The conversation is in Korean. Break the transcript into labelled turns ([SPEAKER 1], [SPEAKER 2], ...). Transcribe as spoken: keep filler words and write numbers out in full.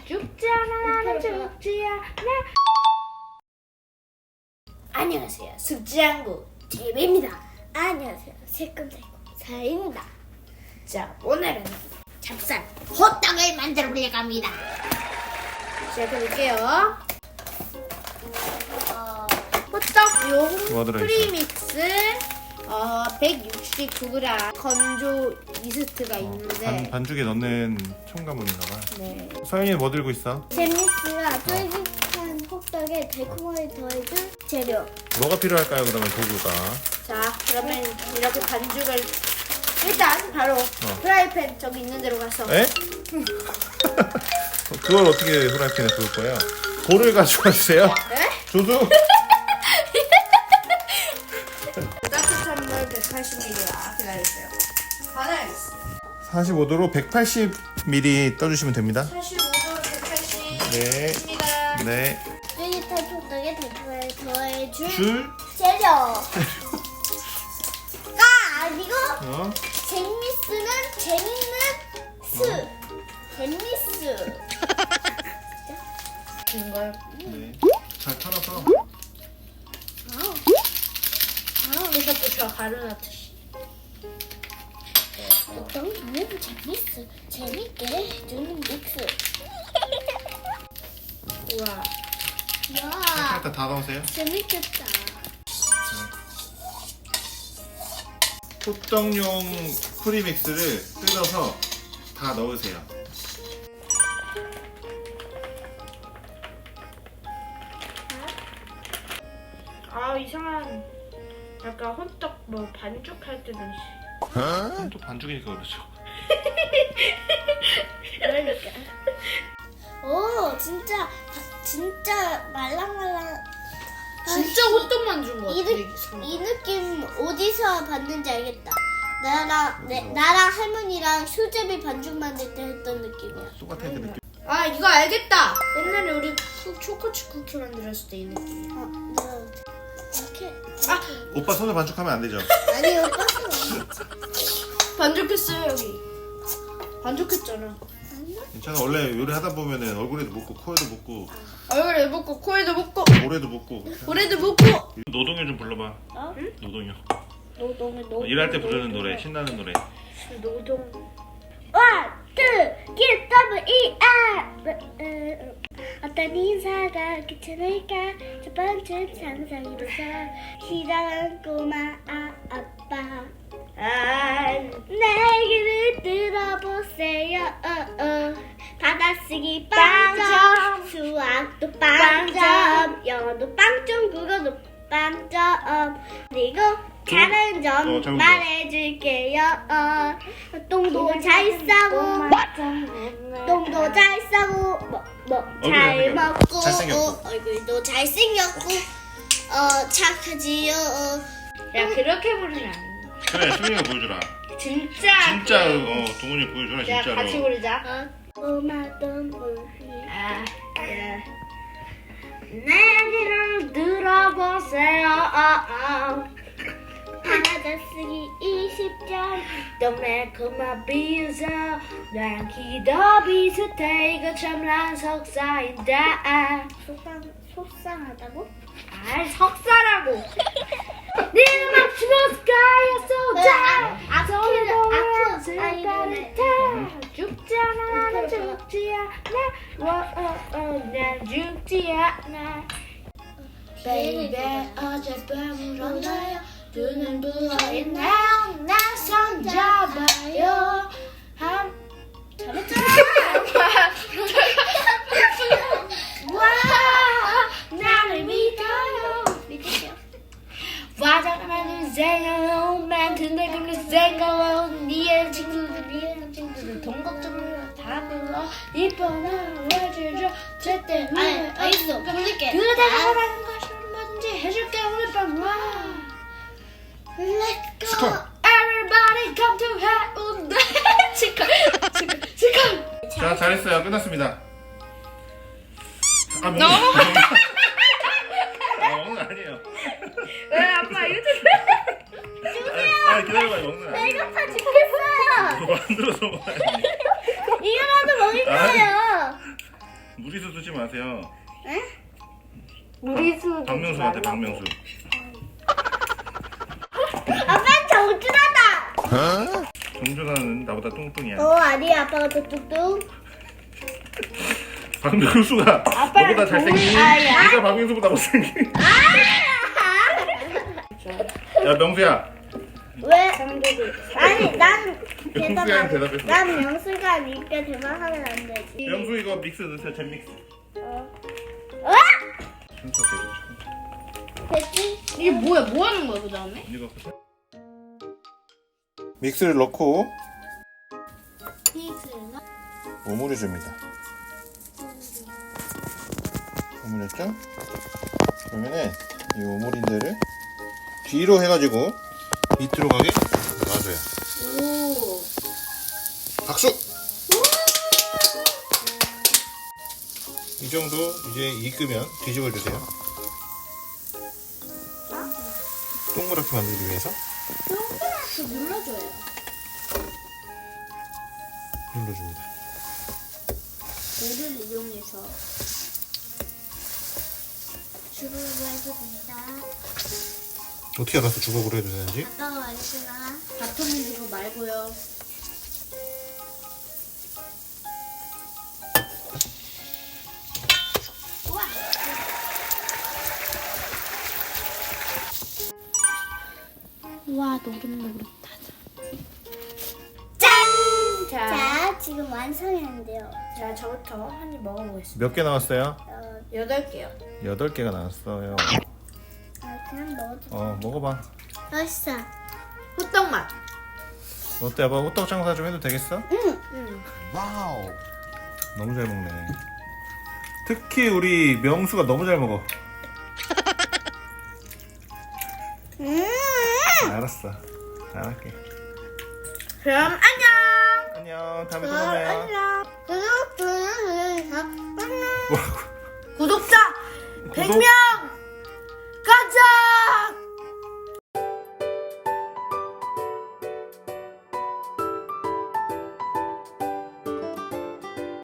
[SPEAKER 1] 죽지 않아 나는 죽지 않아.
[SPEAKER 2] 안녕하세요. 숙지한구 티비입니다. 안녕하세요. 새콤달콤 사입니다. 자, 오늘은 찹쌀 호떡을 만들어 보려고 합니다.
[SPEAKER 1] 시작해볼게요. 어, 호떡용
[SPEAKER 3] 뭐 들어있어요?
[SPEAKER 1] 프리믹스 어, 백육십구 그램 건조 이스트가 있는데
[SPEAKER 3] 반, 반죽에 넣는 첨가물인가봐.
[SPEAKER 1] 네.
[SPEAKER 3] 서연이는 뭐 들고 있어?
[SPEAKER 2] 재미스가 쫄깃한 호떡에 달콤하게 더해준 재료.
[SPEAKER 3] 뭐가 필요할까요? 그러면 도구가.
[SPEAKER 1] 자, 그러면 이렇게 반죽을 일단 바로 프라이팬 저기 있는 데로 가서
[SPEAKER 3] 에? 그걸 어떻게 후라이팬에 구울 거예요? 볼을 가져와 주세요.
[SPEAKER 1] 네?
[SPEAKER 3] 조수.
[SPEAKER 1] 따뜻한 물 백팔십 밀리리터 기다려주세요. 받아야겠어.
[SPEAKER 3] 사십오 도로 백팔십 밀리리터 떠주시면 됩니다.
[SPEAKER 1] 사십오 도 백팔십
[SPEAKER 3] 네.
[SPEAKER 1] 입니다.
[SPEAKER 3] 네.
[SPEAKER 2] 쫄깃한 호떡에 달콤하게 더해준
[SPEAKER 3] 줄.
[SPEAKER 2] 재료가 아니고
[SPEAKER 3] 어?
[SPEAKER 2] 재미스는 재밌는 스. 재미스.
[SPEAKER 1] 이걸
[SPEAKER 3] 네. 잘 털어서.
[SPEAKER 1] 그래서 부쳐 가루넣듯이.
[SPEAKER 2] 호떡은 너무 재미스. 재밌게 해주는 믹스.
[SPEAKER 1] 우와.
[SPEAKER 2] 야,
[SPEAKER 3] 일단 다 넣으세요.
[SPEAKER 2] 재밌겠다.
[SPEAKER 3] 호떡용 프리믹스를 뜯어서 다 넣으세요.
[SPEAKER 1] 아, 이상한 약간 호떡 뭐 반죽할 때는
[SPEAKER 3] 또 반죽이니까 그렇죠.
[SPEAKER 2] 그러니까. 오, 진짜 진짜 말랑말랑.
[SPEAKER 1] 진짜 호떡 만든 거
[SPEAKER 2] 이,
[SPEAKER 1] 같아.
[SPEAKER 2] 느, 이 느낌 어디서 봤는지 알겠다. 나랑 내, 나랑 할머니랑 수제비 반죽 만들 때 했던 느낌이야.
[SPEAKER 3] 똑같아 그 느낌.
[SPEAKER 1] 아, 이거 알겠다. 옛날에 우리 쿠, 초코칩 쿠키 만들었을 때 이 느낌.
[SPEAKER 2] 어, 뭐, 이렇게.
[SPEAKER 1] 아,
[SPEAKER 3] 오빠 손을 반죽하면 안 되죠.
[SPEAKER 2] 아니 오빠 손.
[SPEAKER 1] 반죽했어요 여기. 반죽했잖아.
[SPEAKER 3] 괜찮아. 원래 요리 하다 보면은 얼굴에도 묻고 코에도 묻고
[SPEAKER 1] 얼굴에 묻고 코에도 묻고
[SPEAKER 3] 볼에도 묻고.
[SPEAKER 1] 볼에도 묻고.
[SPEAKER 3] 노동요 좀 불러봐.
[SPEAKER 2] 어?
[SPEAKER 3] 노동요.
[SPEAKER 2] 노동을 노동.
[SPEAKER 3] 일할 때 부르는 노래, 신나는 노래.
[SPEAKER 1] 노동.
[SPEAKER 2] One, two, get double E R. 어떤 인사가 귀찮을까? 첫 번째 상상으로서 시작한 꼬마 아, 아빠.
[SPEAKER 1] 아,
[SPEAKER 2] 내 얘기를 들어보세요. 어, 어. 받아쓰기 빵점, 수학도 빵점, 영어도 빵점, 국어도 빵점. 그리고 다른 점
[SPEAKER 3] 어, 작은 거.
[SPEAKER 2] 말해줄게요. 어. 똥도 잘 싸고, 똥도 잘 싸고, 뭐, 뭐, 잘
[SPEAKER 3] 잘생겼고.
[SPEAKER 2] 먹고,
[SPEAKER 3] 잘생겼고.
[SPEAKER 2] 어, 얼굴도 잘생겼고, 어, 착하지요. 어.
[SPEAKER 1] 야, 그렇게 부르면 안 돼.
[SPEAKER 3] 그래, 수민이가 보여주라.
[SPEAKER 1] 진짜.
[SPEAKER 3] 진짜 어 동훈이 보여주라
[SPEAKER 1] 야,
[SPEAKER 3] 진짜로.
[SPEAKER 1] 같이 부르자.
[SPEAKER 2] 어. 꼬마던 우리.
[SPEAKER 1] 아, 예. 내 얘기를 들어보세요. 아, 아.
[SPEAKER 2] 받아쓰기 이십 점.
[SPEAKER 1] 동네 그만 비웃어. 나랑 키도 비슷해. 이거 참 난 석사인데.
[SPEAKER 2] 속상, 속상하다고?
[SPEAKER 1] 아, 석사라고. 네 음악 주머스카였어. 자,
[SPEAKER 2] 아크, 아크, 아이돌의
[SPEAKER 1] 죽지 않아, 나는 죽지 않아. 와, 어, 어, 난 죽지 않아. Baby, 어젯밤을 언제요? 두 눈 부어있네요. 날 손잡아요. 한
[SPEAKER 2] 잘했잖아.
[SPEAKER 1] 와, 나를 믿어요.
[SPEAKER 2] 믿으세요.
[SPEAKER 1] 화장하는 생각, 멘트들 그리 생각, 니의 친구들, 니의 친구들, 돈 걱정을 다 불러. 이뻐나 해주죠. 제때
[SPEAKER 2] 아니, 알겠어. 부를게.
[SPEAKER 1] 그대가 하라는 것을 뭐든지 해줄게 오늘 밤. 와.
[SPEAKER 2] Let's go.
[SPEAKER 3] 스컬.
[SPEAKER 1] Everybody come to 해운대. 치카, 치카, 치카.
[SPEAKER 3] 자, 잘했어요. 끝났습니다. 아, 먹는
[SPEAKER 1] 너무
[SPEAKER 3] 아, 먹는 거 아니에요.
[SPEAKER 1] 왜 아빠 이거
[SPEAKER 3] 아, 아, 기다려봐요. 먹는 거 아니에요.
[SPEAKER 2] 배고파 죽겠어요.
[SPEAKER 3] 뭐 만들어서 먹어야지.
[SPEAKER 2] 이거라도 먹을
[SPEAKER 3] 아.
[SPEAKER 2] 거예요.
[SPEAKER 3] 주지 마세요.
[SPEAKER 1] 우리 수
[SPEAKER 3] 박명수한테 박명수.
[SPEAKER 2] 아빠 정준하다.
[SPEAKER 3] 정준하는 나보다 뚱뚱이야.
[SPEAKER 2] 어 아니야 아빠가 더 뚝뚝.
[SPEAKER 3] 박명수가
[SPEAKER 1] 아빠랑
[SPEAKER 3] 너보다 잘생긴.
[SPEAKER 1] 동일 아이야.
[SPEAKER 3] 네가 박명수보다 못생긴. 야 명수야.
[SPEAKER 2] 왜?
[SPEAKER 1] 상대들.
[SPEAKER 2] 아니 난 대답
[SPEAKER 3] 명수야
[SPEAKER 2] 안.
[SPEAKER 3] 대답했어.
[SPEAKER 2] 난 명수가 니까 대답하면 안 되지.
[SPEAKER 3] 명수 이거 믹스 넣으세요. 잼 믹스.
[SPEAKER 2] 어.
[SPEAKER 3] 순서 대로.
[SPEAKER 2] 됐지?
[SPEAKER 1] 이게 뭐야? 뭐 하는 거야 그 다음에?
[SPEAKER 3] 이거 믹스를 넣고 오므려 줍니다. 오므렸죠? 그러면은 이 오므린 데를 뒤로 해가지고 밑으로 가게 놔줘요.
[SPEAKER 2] 오.
[SPEAKER 3] 박수! 이 정도 이제 익으면 뒤집어 주세요. 동그랗게 만들기 위해서
[SPEAKER 2] 동그랗게 눌러줘요.
[SPEAKER 3] 눌러줍니다.
[SPEAKER 2] 물을 이용해서 주부를 해도 된다.
[SPEAKER 3] 어떻게 알아서 주걱으로 해도 되는지?
[SPEAKER 2] 아빠가 말했구나.
[SPEAKER 1] 바톤은 이거 말고요.
[SPEAKER 2] 우와.
[SPEAKER 1] 와 노릇노릇하다.
[SPEAKER 2] 짠!
[SPEAKER 1] 자,
[SPEAKER 2] 자, 지금 완성했는데요.
[SPEAKER 1] 자 저부터 한 입 먹어보겠습니다.
[SPEAKER 3] 몇 개 나왔어요?
[SPEAKER 2] 어,
[SPEAKER 1] 여덟 개요.
[SPEAKER 3] 여덟 개가 나왔어요.
[SPEAKER 2] 아, 그냥 넣어도
[SPEAKER 3] 어, 먹어봐.
[SPEAKER 2] 맛있어.
[SPEAKER 1] 호떡 맛.
[SPEAKER 3] 어때, 아빠 호떡 장사 좀 해도 되겠어?
[SPEAKER 2] 응.
[SPEAKER 1] 응.
[SPEAKER 3] 와우. 너무 잘 먹네. 특히 우리 명수가 너무 잘 먹어.
[SPEAKER 2] 음.
[SPEAKER 3] 알았어. 잘할게.
[SPEAKER 1] 그럼 안녕.
[SPEAKER 3] 안녕. 다음에 또
[SPEAKER 2] 그럼
[SPEAKER 3] 만나요.
[SPEAKER 2] 안녕. 구독, 좋아요, 알람 설정. 안녕.
[SPEAKER 3] 뭐라고?
[SPEAKER 1] 구독자
[SPEAKER 3] 구독?
[SPEAKER 1] 백 명.